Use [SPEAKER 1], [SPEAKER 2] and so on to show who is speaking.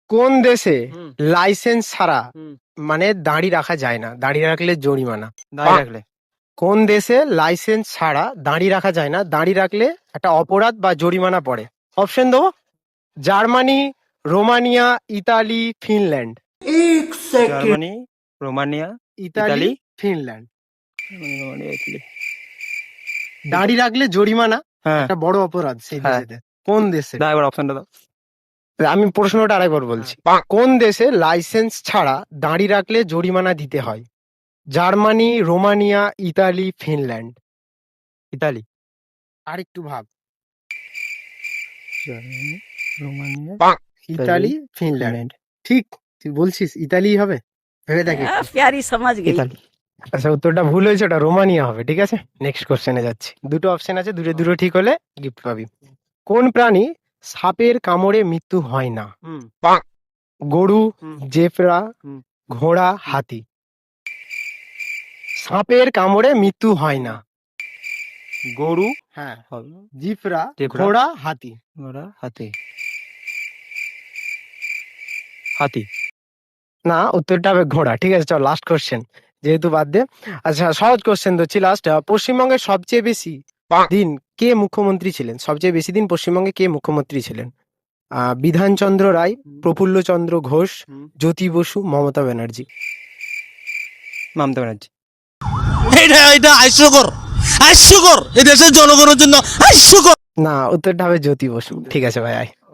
[SPEAKER 1] কোন দেশে
[SPEAKER 2] হুম।
[SPEAKER 1] লাইসেন্স ছাড়া
[SPEAKER 2] হুম।
[SPEAKER 1] মানে দাড়ি রাখা যায় না, দাড়ি রাখলে জরিমানা?
[SPEAKER 2] দাঁড়িয়ে রাখলে
[SPEAKER 1] কোন দেশে লাইসেন্স ছাড়া দাড়ি রাখা যায় না, দাড়ি রাখলে একটা অপরাধ বা জরিমানা পড়ে? অপশন দেবো: Germany, Romania, Italy, Finland.
[SPEAKER 2] Germany, Romania,
[SPEAKER 1] Italy,
[SPEAKER 2] Italy.
[SPEAKER 1] Finland.
[SPEAKER 2] Romania, Italy.
[SPEAKER 1] দাড়ি রাখলে জরিমানা,
[SPEAKER 2] হ্যাঁ
[SPEAKER 1] একটা বড় অপরাধ সেই
[SPEAKER 2] হ্যাঁ।
[SPEAKER 1] দেশেতে। কোন দেশে?
[SPEAKER 2] দাও এবার অপশনটা দাও।
[SPEAKER 1] আমি প্রশ্নটা আরেকবার বলছি। কোন দেশে লাইসেন্স ছাড়া দাড়ি রাখলে জরিমানা দিতে হয়? Germany, Romania, Italy, Finland.
[SPEAKER 2] Italy.
[SPEAKER 1] আর একটু ভাব।
[SPEAKER 2] Germany, Romania,
[SPEAKER 1] Italy, Finland. ঠিক, তুই বলছিস ইতালি হবে? ভেবে দেখ একটু।
[SPEAKER 3] प्यारी समझ गई।
[SPEAKER 2] ইতালি।
[SPEAKER 1] আচ্ছা, উত্তরটা ভুল হয়েছে, ওটা রোমানিয়া হবে। ঠিক আছে, নেক্সট কোশ্চেনে যাচ্ছি। দুটো অপশন আছে, দুটো দুটো ঠিক হলে গিফট পাবি। কোন প্রাণী সাপের কামড়ে মৃত্যু হয় না?
[SPEAKER 2] হুম।
[SPEAKER 1] গরু,
[SPEAKER 2] হুম।
[SPEAKER 1] জেব্রা,
[SPEAKER 2] হুম।
[SPEAKER 1] ঘোড়া, হাতি। সাপের কামড়ে মৃত্যু হয় না।
[SPEAKER 2] গরু,
[SPEAKER 1] হ্যাঁ,
[SPEAKER 2] হবে।
[SPEAKER 1] জিফরা,
[SPEAKER 2] জেব্রা।
[SPEAKER 1] ঘোড়া, হাতি।
[SPEAKER 2] ঘোড়া, হাতি। হাতি।
[SPEAKER 1] না, উত্তরটা হবে ঘোড়া। ঠিক আছে, চল লাস্ট কোশ্চেন, যেহেতু বাদ দে। আচ্ছা, সহজ কোশ্চেন দিচ্ছি লাস্ট। পশ্চিমবঙ্গের সবচেয়ে বেশি দিন কে মুখ্যমন্ত্রী ছিলেন? সবচেয়ে বেশি দিন পশ্চিমবঙ্গে কে মুখ্যমন্ত্রী ছিলেন? বিধানচন্দ্র রায়, প্রফুল্লচন্দ্র ঘোষ, জ্যোতি বসু, মমতা ব্যানার্জি।
[SPEAKER 2] মমতা ব্যানার্জি।
[SPEAKER 4] এটা এটা হাস্যকর, হাস্যকর, এদেশের জনগণের জন্য হাস্যকর।
[SPEAKER 1] না, উত্তরটা হবে জ্যোতি বসু। ঠিক আছে ভাই, আয়।